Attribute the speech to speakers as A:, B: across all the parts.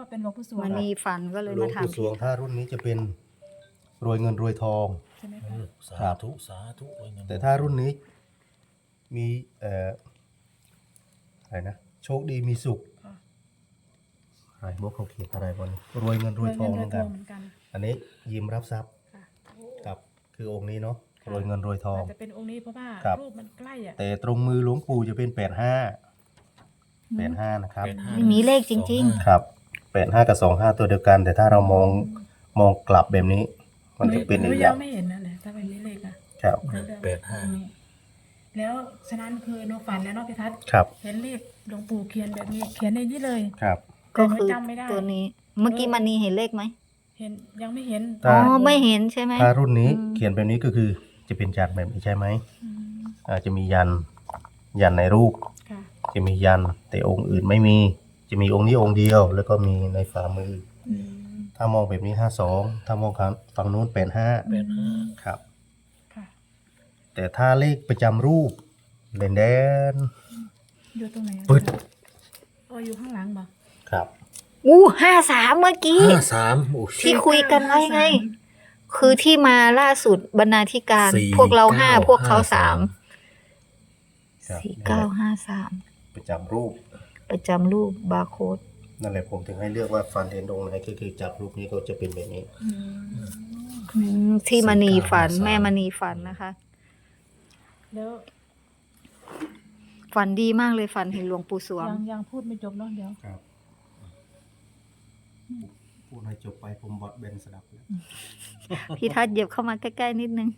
A: เป็นหลวงปู่สวง
B: มันมีฝันก็เลย
C: หลว
B: มาง ถาม
C: ปู่สวงถ้ารุ่นนี้จะเป็นรวยเงินรวยทอง
A: ใช่ไหม
D: เอ
A: คะ
D: อสาธุสาธุเลยนะ
C: แต่ถ้ารุ่นนี้มีอะไรนะโชคดีมีสุข
A: ค่ะ
C: อะไรพวกเขาเขียนอะไรบนรวยเงินรวยทองเหมือนกัน
A: เหมือนกัน
C: อันนี้ยิ้มรับทรัพย์
A: ค่ะ
C: กับคือองค์นี้เนาะรวยเงินรวยทอง
A: อาจจะเป็นองค์นี้เพราะว่า
C: ครับ
A: รูปมันใกล้อ่ะ
C: แต่ตรงมือหลวงปู่จะเป็น85นะครับ
B: ไม่มีเลขจริง
C: ครับ85กับ25ตัวเดียวกัน แต่ถ้าเรามองกลับแบบนี้ มันจะเป็นอีกอ
A: ยั
C: ย่าง
A: งไม่เห็นนั่นแหละถ้าเป็นนี้เลขอ่ะ
C: ครับ
A: แล้วฉะนั้นคือโนฝันแล้วเนาะพี่ทัศน์
C: ครับ
A: เห็นเลขหลวงปู่เขียนแบบนี้เขียนในนี้เลย
C: ครับ
B: ๆ ก็คือ
A: จำไม่ได้
B: ตัวนี้ เมื่อกี้มันนีเห็นเลขไหม
A: เห็นยังไม่เห็น
C: ถ้า
B: อ๋อไม่เห็นใช่ไหม
C: ถ้ารุ่นนี้
B: อืม
C: เขียนแบบนี้ก็คือจะเป็นจานแบบนี้ใช่ไหม
A: อืม
C: อาจจะมียันในรูป
A: ค่ะ
C: จะมียันแต่องค์อื่นไม่มี จะมีองค์นี้องค์เดียว แล้วก็มีในฝ่ามือ
A: อืม
C: ถ้ามองแบบนี้52ถ้ามองฝั่งนู้น85
D: เป็นห้า
C: ครับ
A: ค่ะ
C: แต่ถ้าเลขประจำรูปแดน
A: อยู่ตรงไหนอะ
C: ปึ๊ด
A: อ๋ออยู่ข้างหลังบ่
C: ครับ
B: อู้53เมื่อกี้
D: 53โอ้
B: ที่คุยกันไว้ไง คือที่มาล่าสุดบรรณาธิการ
D: สี่
B: พวกเราห้า
D: เก้า
B: พวกเขา
D: ห้า
B: สา
D: สาม ม
C: ครับ
B: 4953
C: ประจำรูป
B: ประจำรูปบาร์โค้ด
C: นั่นแหละผมถึงให้เลือกว่าฟันเห็นองค์ไหนก็คือจับรูปนี้ก็จะเป็นแบบนี้
B: ที่มณีฝันแม่มณีฝันนะคะ
A: แล้ว
B: ฝันดีมากเลยฝันเห็นหลวงปู่สวง
A: ยังพูดไม่จบเนาะเดี๋ยว
C: ครับพูดให้จบไปผมบอดเบนสดับแล้ว
B: พี่ทัศน์เหยียบเข้ามาใกล้ๆนิดนึง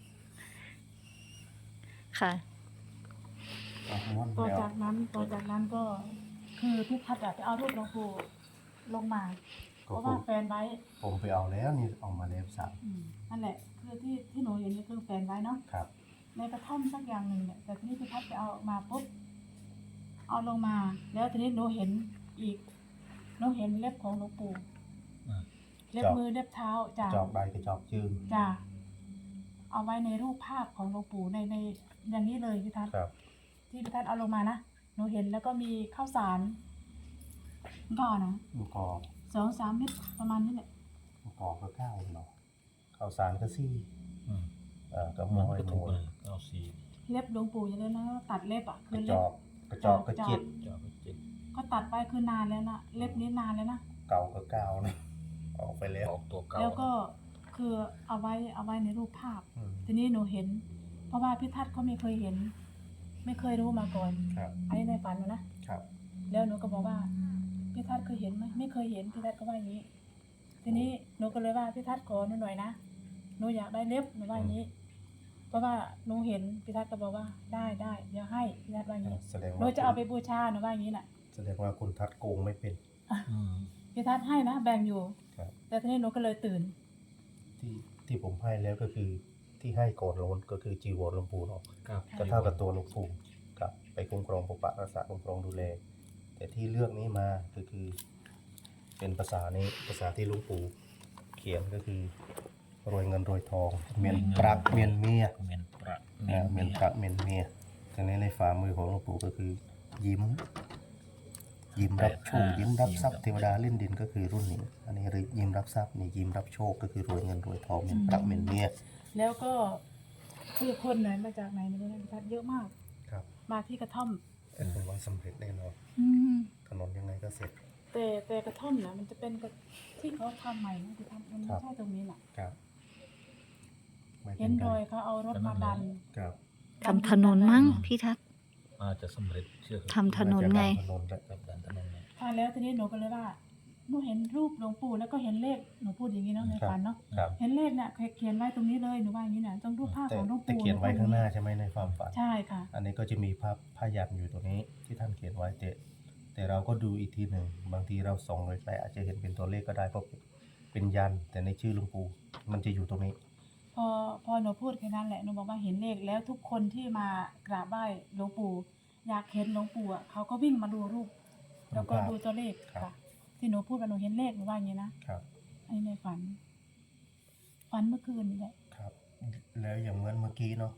B: ค่ะ
C: ม้วน
A: ต่อ
C: แล้ว
A: จากนั้นก็คือพี่ทัศน์อะไปเอารูปหลวงปู่ลงมาเพ
C: ก็
A: ราะ
C: ผ
A: ว่าม แฟนไว้
C: ผมไปเอาแล้วนี่เอามาแล้วสับ
A: นั่นแหละคือที่หนูเห็นนี่คือแฟนไว้เนาะ
C: ครับ
A: ในกระท่อมสักอย่างหนึ่งเนี่ยแต่ทีนี้พี่ทัศน์ไปเอาออกมาปุ๊บเอาลงมา แล้วทีนี้หนูเห็นอีกหนูเห็นเล็บของหลวงปู่เล็บมือเล็บเท้าจ้ะ
C: จอกใดกับจอกจืง
A: จ้ะเอาไว้ในรูปภาพของหลวงปู่ในอย่างนี้เลยพี่ทัศน์
C: ครับ
A: ที่พี่ทัศน์เอาลงมานะหนูเห็นแล้วก็มีข้าวสารก็นะ
C: ลูกกอก
A: 2-3 เม็ดประมาณนี้แหละ
C: ลูกกอกก็เก้าเนาะข้าวสารก็ซี่
D: อืม
C: ก็
D: มั
C: ม้
D: น
C: อย
D: ก็
C: ห
D: ถู
C: มู
D: กเลย94
A: เล็บหลวงปู่อย่างนี้นะตัดเล็บอ่ะ
C: ก
A: คื
C: ระ
A: อ
C: จ
A: เล็บ
C: อกกระจอกก็เจ็ด
D: จอดไปเจ็ด
A: ก็ตัดไปคือนานแล้วนะเล็บนี้นานแล้วนะ
C: เก่าก็เก้านะออกไปแล้ว
D: ออกตัวเก่า
A: แล้วก็คือเอาไว้ในรูปภาพ
C: อืม
A: ทีนี้หนูเห็น เพราะว่าพี่ทัศน์เขาไม่เคยเห็น ไม่เคยรู้มาก่อน
C: ครับ
A: อันนี้ในฝันนะนะครับ แล้วหนูก็บอกว่าพี่ทัศน์เคยเห็นไหมไม่เคยเห็นพี่ทัศน์ก็ว่าอย่างนี้ ทีนี้หนูก็เลยว่าพี่ทัศน์ขอหนูหน่อยนะหนูอยากได้เล็บหนูว่าอย่างนี้ เพราะว่าหนูเห็นพี่ทัศน์ก็บอกว่าได้เดี๋ยวให้พี่ทัศน์ว่าอย่างนี้
C: แสดง
A: หนู
C: ว่า
A: จะเอาไปบูชาหนูว่าอย่างนี้น่ะ
C: แสดงว่าคุณทัดโกงไม่เป็น
D: อืม
A: พี่ทัศน์ให้นะแบ่งอยู่
C: ครับ
A: แต่ทีนี้หนูก็เลยตื่น
C: ที่ผมให้แล้วก็คือที่ให้ก่อนโลนก็คือจีวรหลวงปู่เนาะ
D: ครับ
C: ก็เท่ากับตัวหลวงปู่กับไปคุ้มครองปกปักรักษาคุ้มครองดูแล แต่ที่เลือกนี้มาก็คือ เป็นภาษานี้ภาษาที่หลวงปู่เขียนก็คือรวยเงินรวยทองเมียนปรักเมียนเมีย
D: เมียนประ
C: เมียนปรักเมียนเมียทีนี้ในฝ่ามือของหลวงปู่ก็คือยิ้มรับโชคยิ้มรับทรัพย์เทวดาเล่นดินก็คือรุ่นนี้ อันนี้ยิ้มรับทรัพย์นี่ยิ้มรับโชคก็คือรวยเงินรวยทองเมียนปรักเมียนเมีย
A: แล้วก็คือคนไหนมาจากไหนไม่รู้นะพี่ทัศน์เยอะมาก
C: ครับ
A: มาที่กระท่อม
C: แต่ผมว่าสำเร็จแน่นอนถนนยังไงก็เสร็จ
A: แต่กระท่อมนะมันจะเป็นกระที่เขาทำใหม่นะพี่ทัศน์มันไม่ใช่ตรงนี้น่ะ
C: ครับไม่ป็
A: เห็นรอยเขาเอารถมาดัน
C: ครับ
B: ทำถนนมั้งพี่ทัศน์
D: อาจจะสำเร็จเชื่อ
B: ทำถนนไง
C: ถนนและ
D: กับการถนนเนี่ย
A: ค่ะแล้วทีนี้หนูก็เลยว่าหนูเห็นรูปหลวงปู่แล้วก็เห็นเลขหนูพูดอย่างนี้เนาะในฝันเนาะ
C: ครับ
A: เห็นเลขเนี่ยเขียนไว้ตรงนี้เลยหนูว่าอย่างนี้น่ะตรงรูปภาพ
C: แต่
A: ของหลวง
C: แต่
A: ปู่
C: เขียนไว้ข้างหน้าใช่ไหมในความฝัน
A: ใช่ค่ะ
C: อันนี้ก็จะมีผ้ายันอยู่ตรงนี้ที่ท่านเขียนไว้แต่เราก็ดูอีกทีหนึ่งบางทีเราส่องไกลๆอาจจะเห็นเป็นตัวเลขก็ได้เพราะเป็นยันแต่ในชื่อหลวงปู่มันจะอยู่ตรงนี้
A: พอหนูพูดแค่นั้นแหละหนูบอกว่าเห็นเลขแล้วทุกคนที่มากราบไหว้หลวงปู่อยากเห็นหลวงปู่อ่ะเขาก็วิ่งมาดูรูป แล้วก็ดูตัวเลข
C: ครับ
A: ค่ะ ที่หนูพูดว่าหนูเห็นเลขหนูว่าอย่างนี้นะครับ อันนี้ในฝันเมื่อคืนนี่แหละ
C: ครับ แล้วอย่างเหมือนเมื่อกี้เนาะ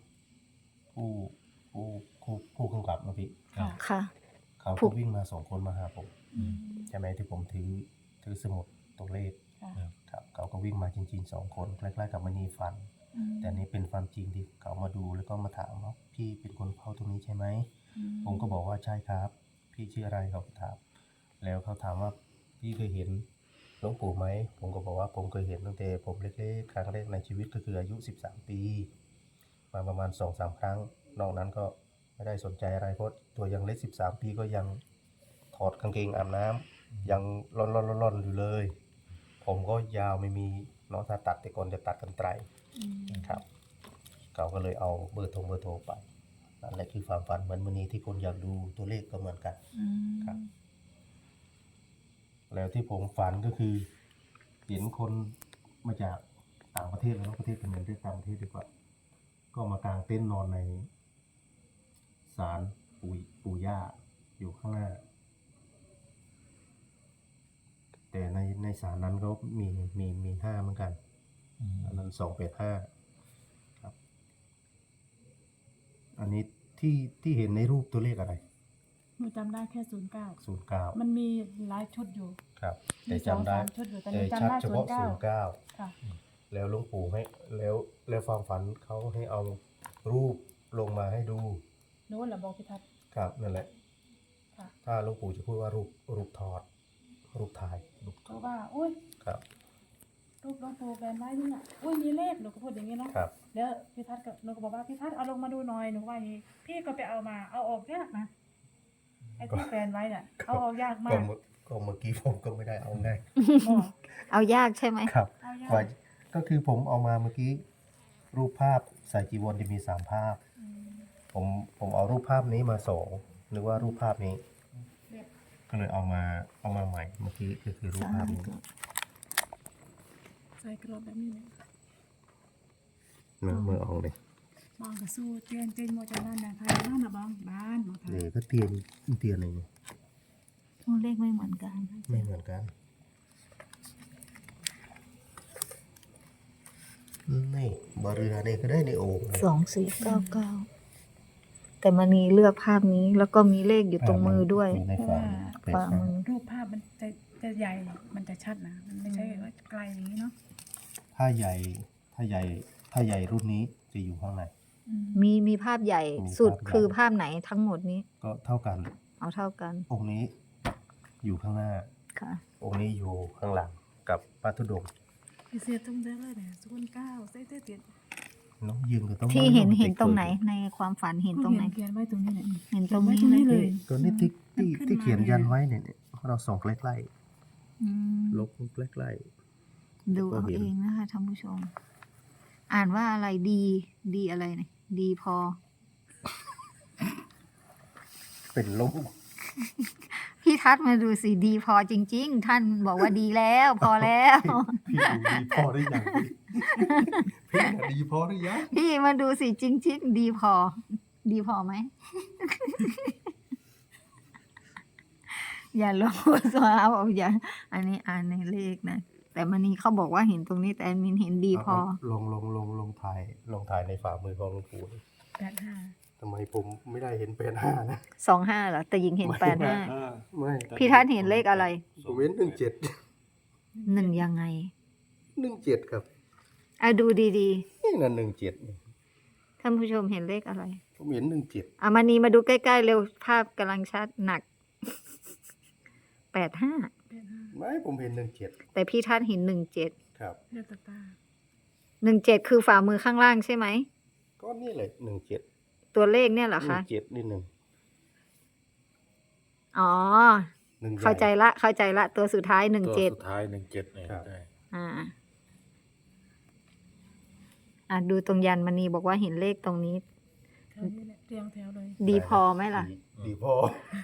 C: ผู้กำกับเมื่อกี้
A: ค่ะ
B: ค่ะ
C: เขา
B: ผู้
C: ก็วิ่งมา2 คนมาหาผม
A: อืม
C: ใช่ไหมที่ผมถือถือสมุดตัวเลข
A: ค่ะ
C: ครับเขาก็วิ่งมาจริงๆ2 คนใกล้ๆกับมณีฝัน แต่นี่เป็นความจริงที่เขามาดูแล้วก็มาถามว่าพี่เป็นคนเฝ้าตรงนี้ใช่ไหม ผมก็บอกว่าใช่ครับ พี่ชื่ออะไรเขาก็ถาม แล้วเขาถามว่าพี่เคยเห็นหลวงปู่ไหม ผมก็บอกว่าผมเคยเห็นตั้งแต่ผมเล็กๆครั้งแรกในชีวิตก็คืออายุ13 ปี มาประมาณ 2-3 ครั้ง นอกนั้นก็ไม่ได้สนใจอะไรเพราะตัวยังเล็ก13 ปีก็ยังถอดกางเกงอาบน้ำยังร่อนๆอยู่เลย ผมก็ยาวไม่มีเนาะถ้าตัดแต่ก่อนจะตัดกันไกลครับเขาก็เลยเอาเบอร์โทรไปนั่นแหละคือความฝันเหมือนวันนี้ที่คนอยากดูตัวเลขก็เหมือนกันครับ แล้วที่ผมฝันก็คือเห็นคนมาจากต่างประเทศแล้วประเทศเป็นเงินที่ต่างประเทศดีกว่า ก็มากางเต็นท์นอนในศาลปู่ย่าอยู่ข้างหน้า แต่ในศาลนั้นก็มี5เหมือนกัน อันนั้น285ครับ อันนี้ที่เห็นในรูปตัวเลขอะไร
A: หนูจำได้แค่09
C: 09
A: มันมีหลายชุดอยู่
C: ครับ
A: มี
C: แต่จำได้
A: 2-3 ชุดอยู่แต่ห
C: แต่
A: นู
C: ชั
A: จำ
C: ด
A: ได้
C: เฉพาะ
A: 09 ค่ะ
C: 09 แล้วหลวงปู่ให้แล้วความฝันเขาให้เอารูปลงมาให้ดู
A: หนูแหละบอกพี่ทัศน์
C: ครับนั่นแหละ
A: ค่ะ
C: ถ้าหลวงปู่จะพูดว่ารูปถอด รูปถ่าย
A: เพราะว่าอุ้ย
C: ครับ
A: รูปหลวงปู่แบนไว้นี่น่ะอุ้ยมีเลขหนูก็พูดอย่างนี้เนาะ
C: ครับ
A: แล้วพี่ทัศน์ก็หนูก็บอกว่าพี่ทัศน์เอาลงมาดูหน่อยหนูว่าอย่างนี้พี่ก็ไปเอามาเอาออกยากนะไอ้ที่แฟนไว้เนี่ยเอาออกยากมา
C: ก็
A: ก
C: เมื่อกี้ผมก็ไม่ได้เอาง่าย
A: บอก
B: เอายากใช่ไหม
C: ครับ
A: เอายาก
C: ว่าก็คือผมเอามาเมื่อกี้รูปภาพใส่จีวรจะมี3 ภาพ
A: อืม
C: ผมเอารูปภาพนี้มา2นึกว่ารูปภาพนี้
A: เรียบ
C: ก็เลยเอามาใหม่เมื่อกี้ก็คือรูปภาพนี้
A: ใส่กรอบแบบนี้เลย
C: เมื่อออกเลย
A: บางก็สู้เตียนเตียนโมจานั่นนะใครบ้างนะบางบ้านบางไทย
C: นี่ก็เตียนอะไรเนี่ย
B: ตัวเลขไม่เหมือนกัน
C: ไม่เหมือนกันนี่บาเรือนี่ก็ได้ในโอ่งนะ
B: 2499 แต่มันมีเลือกภาพนี้แล้วก็มีเลขอยู่ตรงมือด้วย
C: ใน
A: เพราะ
C: ฝัน
A: ว่า
B: ฝ่ามือ
A: รูปภาพมันจะใหญ่มันจะชัดนะมันไม่ใช่ว่าไกลอย่างนี้เนาะ
C: ถ้าใหญ่รุ่นนี้จะอยู่ข้างใน
A: อืม
B: มีภาพใหญ่สุดคือภาพไหนทั้งหมดนี้
C: ก็เท่ากัน
B: เอาเท่ากัน
C: องค์นี้อยู่ข้างหน้า
B: ค่ะ
C: องค์นี้อยู่ข้างหลังกับพระธุดงค์
A: เสียต้องได้เลยเนี่ย09ใส่เตี้ย
C: น้องยืนก็ต้อง
B: ที่เห็นตรงไหนในความฝันเห็นตรงไหน
A: เขียนไว้ตรงนี้เนี่ย
B: เห็นตรงนี้
A: เขียนไว้ตรงนี้
B: เล
A: เลย ย
C: ตัวนี้ที่
A: มันขึ้น
C: ที่
A: มา
C: เขียนยันไว้เนี่ยเราส่องใกล้
B: อืม
C: ๆลบใกล้
B: ดูเอาเองนะคะท่านผู้ชม อ่านว่าอะไรดีอะไรเนี่ยดีพอ
C: ๆเป็นลบ
B: พี่ทัศน์มาดูสิดีพอจริง ๆ ท่านบอกว่าดีแล้ว พอแล้ว
C: พี่ดูดีพอหรือยังพี่น่ะดีพอหรือยัง
B: พี่มาดูสิจริง ๆ ดีพอ ดีพอไหม อย่าลงสวาบอกอย่าอันนี้อ่านในเลขนะแต่มันนี้เขาบอกว่าเห็นตรงนี้แต่อันมินเห็นดีพอ
C: ลงถ่ายในฝ่ามือของหลวงปู่นี่
A: 85
C: ทำไมผมไม่ได้เห็น85นะ
B: 25เหรอแต่หญิงเห็น
C: ไม่
B: 85
C: ไม่
B: พี่ทัศน์เห็นเลขอะไร
C: ผมเห็น17
B: 1ยังไง
C: 17ครับ
B: อ่ะดูดี
C: นี่นั่น17นี่
B: ๆท่านผู้ชมเห็นเลขอะไร
C: ผมเห็น17
B: อ่ะมานีมาดูใกล้ๆเร็วภาพกำลังชัดหนัก 85
C: ไม่ผมเห็น17
B: แต่พี่ทัศน์เห็น17
C: ครับ
A: เรียกตาตา
B: 17คือฝ่ามือข้างล่างใช่ไหม
C: ก็นี่เลย17
B: ตัวเลขเนี่ยเหรอคะ
C: 17นี่หนึ่ง
B: อ๋อ
C: หนึ่งใหญ่
B: เข้าใจละตัวสุดท้าย
D: ตัว
B: 17
D: สุดท้าย17เนี่ย
C: ครับ
D: ได้
B: ดูตรงยันมณีบอกว่าเห็นเลขตรงนี้
A: แถวนี้แหละเรียงแถวเลย
B: ดีพอไหมล่ะ
C: ดีพอ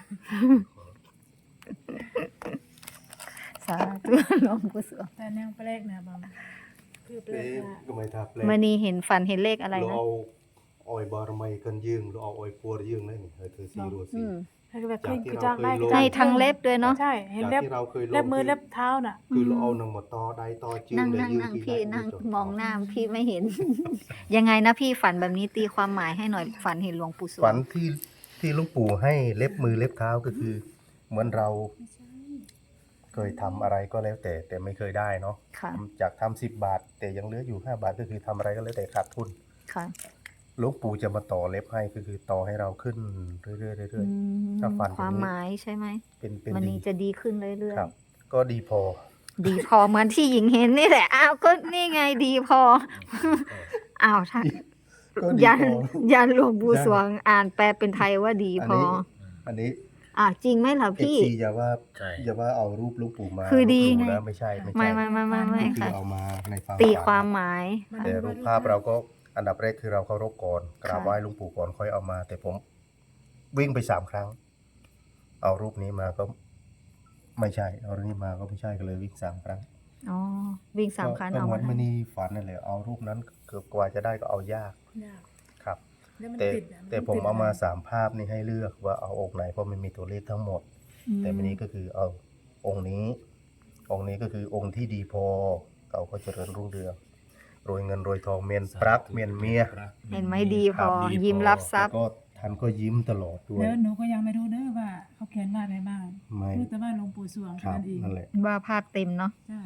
B: สาธุหลวงปู่สวง
A: แต่แนวแปลกนะบางคือแปล
C: เอ๊ะ
A: กว่า
C: ก็ไม่ทับเลย
B: มณีเห็นฝันเห็นเลขอะไร
C: เรา
B: นะ
C: เอาออยบารมีกันยืงเราเอาออยปัวยืงได้นี่เฮ้ยเธอสีรัวสี
A: ให้แบบ
C: จากที่
A: คือ
C: เรา
A: จ้างได้
C: เคยลง
B: ให้ทั้งเล็บด้วยเนาะ
A: ใช่เห็น
C: จาก
A: เล็บ
C: ที่เราเคยลง
A: เล็บมือ
C: คือ
A: เล็บเท้าน่ะ
C: คือเราเอาหนังหมดตอได้ตอจืง
B: นั่ง
C: เลย
B: นั่ง
C: ยืง
B: นั่ง
C: ที
B: พี่
C: ได้
B: นั่ง
C: จบ
B: มองหน้าพี่ไม่เห็น ยังไงนะพี่ฝันแบบนี้ตีความหมายให้หน่อยฝันเห็นหลวงปู่สว
C: ฝั
B: ง
C: นที่หลุงปู่ให้เล็บมือเล็บเท้าก็คือ เหมือนเราเคยทำอะไรก็แล้วแต่ไม่เคยได้เนาะ
B: ค่ะ
C: จากทำ10 บาท แต่ยังเหลืออยู่5 บาทก็คือทำอะไรก็แล้วแต่ขาดทุน
B: ค่ะ
C: หลวงปู่จะมาต่อเล็บให้ก็คือต่อให้เราขึ้นเรื่อยๆเรื่
B: อื
C: อย
B: ม
C: ถ้าฟัน
B: ความ
C: อย่างนี้
B: หมายใช่ไหม
C: เป็น
B: มัน
C: ดี
B: นี้จะดีขึ้นเรื่อย
C: ครับ ก็ดีพอ
B: ๆ ดีพอเหมือนที่หญิงเห็นนี่แหละ อ้าวก็นี่ไงดีพอ อ้าวถ้า
C: ก็ดี
B: ยัน
C: พอ
B: ยันหลวงปู่
C: ได้
B: สวงอ่านแปลเป็นไทยว่าดีพอ
C: อันนี้
B: อ่าวจริงไหมล่ะ
C: เอฟ
B: พี่
C: ซีอย่าว่า
D: ใช่
C: อย่าว่าเอารูปหลวงปู่มา
B: คือดี
C: ลบหลู่
B: ไง
C: นะไม่ใช่
B: ไม่
A: ไม่
C: คือ
B: ค่ะ
C: เอามาในความ
B: ตี
C: ฝัน
B: ความหมาย
C: แต่รูปภาพเราก็อันดับแรกคือเราเคารพก่อนกราบ
B: ค่ะ
C: ไหว้หลวงปู่ก่อนค่อยเอามา แต่ผมวิ่งไป3 ครั้ง เอารูปนี้มาก็ไม่ใช่ เอารูปนี้มาก็ไม่ใช่ก็เลยวิ่ง3 ครั้ง
B: อ๋อ วิ่งสามคัน
C: ก็
B: เอา
C: เหมื
B: มา
C: อนมณีฝันนั่นแหละเอารูปนั้นเกือบกว่าจะได้ก็เอายาก
A: ยาก
C: ครับ
A: แล้วมัน
C: แต่
A: ติดอะน
C: แต่ผม
A: ติด
C: เอามา
A: ะไร
C: 3 ภาพนี่ให้เลือกว่าเอาองค์ไหนเพราะมันมีตัวเลขทั้งหมด
B: อืม
C: แต่วันนี้ก็คือเอาองค์นี้ องค์นี้ก็คือองค์ที่ดีพอเขาก็เจริญรุ่งเรืองรวยเงินรวยทองเมียนปรักเมียนเมีย
B: เห็นไหมดีพ
C: ครั
B: อ
C: บดีพอ
B: ยิ้มรับทรัพย์
C: แล้วก็ท่านก็ยิ้มตลอดด้วย
A: แล้วหนูก็ยังไม่รู้เด้อว่าเขาเขียนว่าอะไรบ้าง
C: ไม่
A: รู้แต่ว่าหลวงปู่สวง
C: ค
A: แค่
C: รับ
A: นั้นเอง
C: นั่นแหละ
B: ว่าภาพเต็มเนาะ
A: ใช่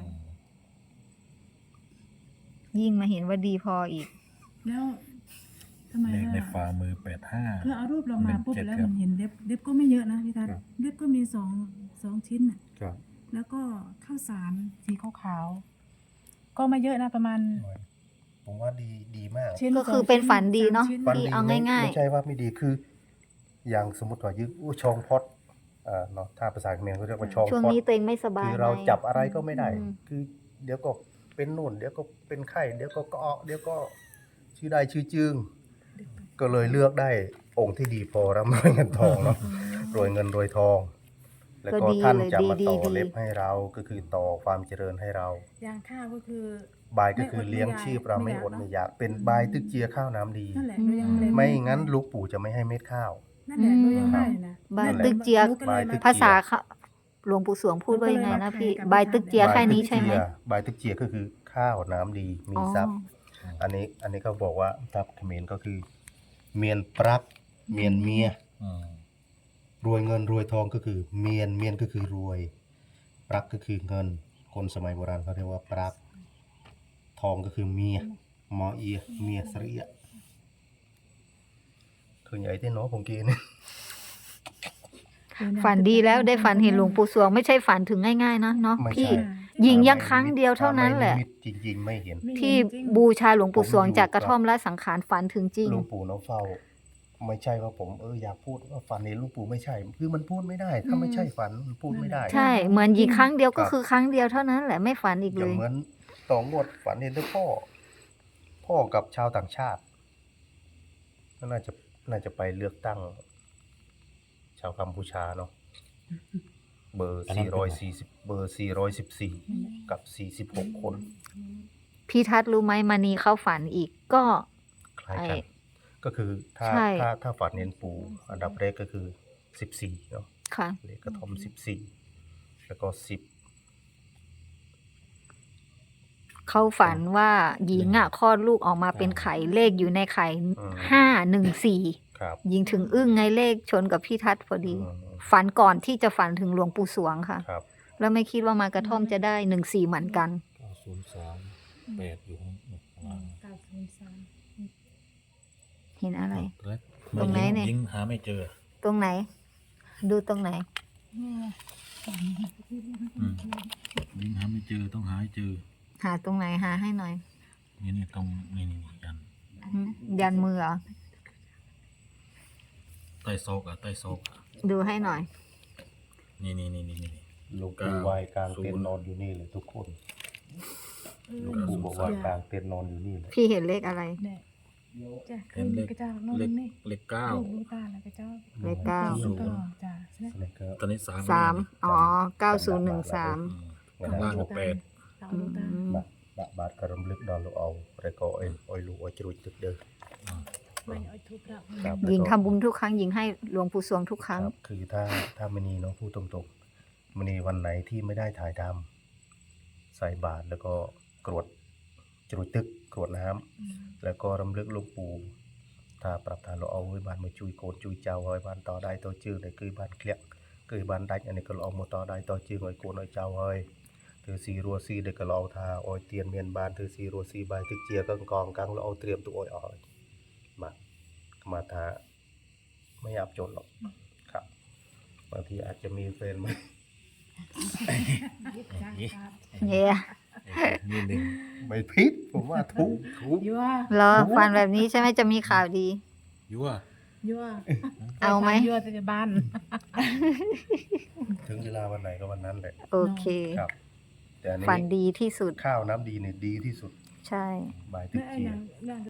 B: ยิ่งมาเห็นว่าดีพออีก
A: แล้วทำไม
D: เลขใน
A: ว่า
D: ฝ่ามือ85
A: คือเอารูปเรามาปุ๊บ
D: 17
A: แล้ว
D: ครั
A: มั
D: บ
A: นเห็นเล็บก็ไม่เยอะนะพี่ทัศน์เล็บก็มีสองชิ้นน่ะ
C: ครับ
A: แล้วก็ข้าวสารสีขาวๆก็ไม่เยอะนะประมาณ
C: ผมว่าดีมาก
A: ชิ้น
B: ก็คือ
A: สง
B: เป็น
A: ชิ้
B: ฝันดีเนาะ
A: สมชิ้
C: ฝัน
B: ที่
C: ดี
B: เอา
C: ไม่
B: ง่าย
C: ไม่ใช่ว่าไม่ดีคือ อย่างสมมติว่ายึดชองพอดเนาะถ้าภาษาเขมรเขาเรียกว่าชอง
B: ๆ ช่วง
C: พอด
B: นี้ตัวเองไม่สบาย
C: คือเรา
B: ไง
C: จับอะไรก็ไม่ได้
B: อืม
C: คือเดี๋ยวก็เป็นนู่น เดี๋ยวก็เป็นไข้ เดี๋ยวก็เกาะเดี๋ยวก็ชื่อได้ชื่อจึง ก็เลยเลือกได้องค์ที่ดีพอร่ำรวยเงินทองเนาะ รวยเงินรวยทอง แล้วก็ท่านจะมาต่อเล็บให้เรา ก็คือต่อความเจริญให้เรา
A: อย่างข้าวก็คือ
C: บายก็คือเลี้ยงชีพเราไม่อด
A: ไม่
C: ไม่
A: อยาก
C: อยาก เป็นบายตึกเจียข้าวน้ำดี
A: นั่นแหละหนูยังเลย
C: ไม่งั้นลูกปู่จะไม่ให้เม็ดข้าว
A: นั่นแหละหนูยังได้อยู่นะ
B: บาย
C: นั่นแหละ
B: ตึกเจีย
A: หนูก็เลยม
B: ภาษาเขาหลวงปู่สวงพูดว่ายังไงนะพี่ บายตึกเจียแค่นี้ใช่ไหม
C: บายตึกเจียก็คือข้าวน้ำดี มี
B: อ๋อ
C: ทรัพย์ อันนี้เขาบอกว่าทับเขมรก็คือ เมียนปรักเมียนเมีย
D: อืม
C: รวยเงินรวยทองก็คือเมียนก็คือรวยปรักก็คือเงิน คนสมัยโบราณเขาเรียกว่าปรักทองก็คือเมียมอเอียเมียสรียคือใหญ่ที่เนาะผมกิน
B: ฝันดีแล้วได้ฝันเห็นหลวงปู่สวงไม่ใช่ฝันถึงง่ายๆนะเนาะ
C: ไม่
B: พี่
C: ใช่
B: ยิงยังครั้งเดียวเท่านั้นแหละ
C: ถ้าไม่นิมิตจริงๆไม่เห็น
B: ที่บูชาหลวงปู่สวงจากกระท่อมละสังขารฝันถึงจริง
C: หลวงปู่น้องเฝ้า ไม่ใช่ว่าผมอยากพูดว่าฝันเห็นหลวงปู่ไม่ใช่ คือมันพูดไม่ได้ ถ้าไม่ใช่ฝันมันพูดไม่ได้
B: ใช่เหมือนยิงครั้งเดียวก็
C: ครับ
B: คือครั้งเดียวเท่านั้นแหละไม่ฝันอีก
C: อ
B: เล
C: ย่าง
B: ย
C: เหมือนต่องวดฝันเห็นแต่พ่อกับชาวต่างชาติก็น่าจะไปเลือกตั้ง ชาวกัมพูชาเนาะเบอร์440เบอร์414กับ46 คน
B: พี่ทัศน์รู้ไหมมานีเข้าฝันอีกก็
C: คล้ายกัน
B: ไอ้
C: ก็คือถ้า
B: ใช่
C: ถ้าฝันเห็นปู่อันดับแรกก็คือ14เนาะ
B: ค่ะ
C: เลขกระท่อม14แล้วก็10
B: เขาฝันว่าหญิงอ่ะคลอดลูกออกมาเป็นไข่เลขอยู่ในไข่
C: อืม
B: 514
C: ครับ
B: หญิงถึงอึ้งไงเลขชนกับพี่ทัศน์พอดี
C: อืม
B: ฝันก่อนที่จะฝันถึงหลวงปู่สวงค่ะ
C: ครับ
B: แล้วไม่คิดว่ามากระท่อมจะได้14เหมือนกัน
D: 903 8อยู่ข้างล่าง
B: เห็นอะไร
D: แล้ว
B: ตรงไหนเนี่ย
D: ยิงหาไม่เจอ
B: ตรงไหน ดูตรงไหน
D: อืมยิงหาไม่เจอต้องหาให้เจอ
B: หาตรงไหนหาให้หน่อย
D: นี่ตรงนี่ยัน
B: ยันมือเหรอ
D: ใต้ซอกใต้ซอก
B: ดูให้หน่อย
D: นี่
C: หลวงปู่ไหวกลางเต็นท์นอนอยู่นี่เลยทุกคนหลวงปู่บอกว่ากลางเต็นท์นอนอยู่นี่เลย
B: พี่เห็นเลขอะไร
A: เนี่ยจ้ะ
D: เห็นเลข
A: กระเจ้าโน่น
D: เลข
A: นี่
D: เลขเก้า
A: ลูกตาแล้วกระเจ้า
B: เลขเก้า
A: ลูกต่อจ้ะใช่ไหม
C: แล้วก็
D: ตอนนี้3
B: 3อ๋อ9013
D: ข้างล่างก็8
A: สาวลูกตา
C: បាទក៏រំលឹកដល់លោកអោរក៏អុយលោកអុយជ្រួចទឹកเด้อ
A: ไม่เอาทุกข์ละ
C: ครับ
B: หญิงทำบุญทุกครั้งหญิงให้หลวงปู่สวงทุกครั้ง
C: ครับคือถ้ามณีเนาะพูดตรงๆมณีวันไหนที่ไม่ได้ถ่ายทำใส่บาตรแล้วก็กรวดជ្រួចទឹកกรวดน้ำแล้วก็រំលឹកលោកปู่ថាប្រាប់ថាលោកអោឲ្យបានមកជួយកូនជួយចៅឲ្យបានតដៃតជើងដែលគឺបានក្លាក់เคยบานดักอันนี้ก็เอามาต่อได้ต่อจืงไอ้โกนไอ้เจ้าเฮ้ยถือสีรัวสีเด็กก็เอาทาอ้อยเตียนเมียนบานถือสีรัวสีใบตึกเจียกังกองกังแล้วเอาเตรียมตัวอ้อยอ้อยมาทาไม่อยากจนหรอกครับบางทีอาจจะมีแฟนไหม
B: เนี่ย
D: นี่หนึ่ง
C: ไม่ผิดผมว่าถูก
A: ยั่ว
B: เหรอฟันแบบนี้ใช่ไหมจะมีข่าวดี
D: ยั่ว
A: ยั่ว
B: เอาไหม
A: ยั่วจะบ้าน
C: ถึงเวลาวันไหนก็วันนั้นแหละ
B: โอเค
C: ครับ แต่อันนี้
B: ฝันดีที่สุด
C: ข้าวน้ำดีเนี่ยดีที่สุด
B: ใช่
C: บายตึก
A: ไม่ไอ้
C: เจีย
A: นาง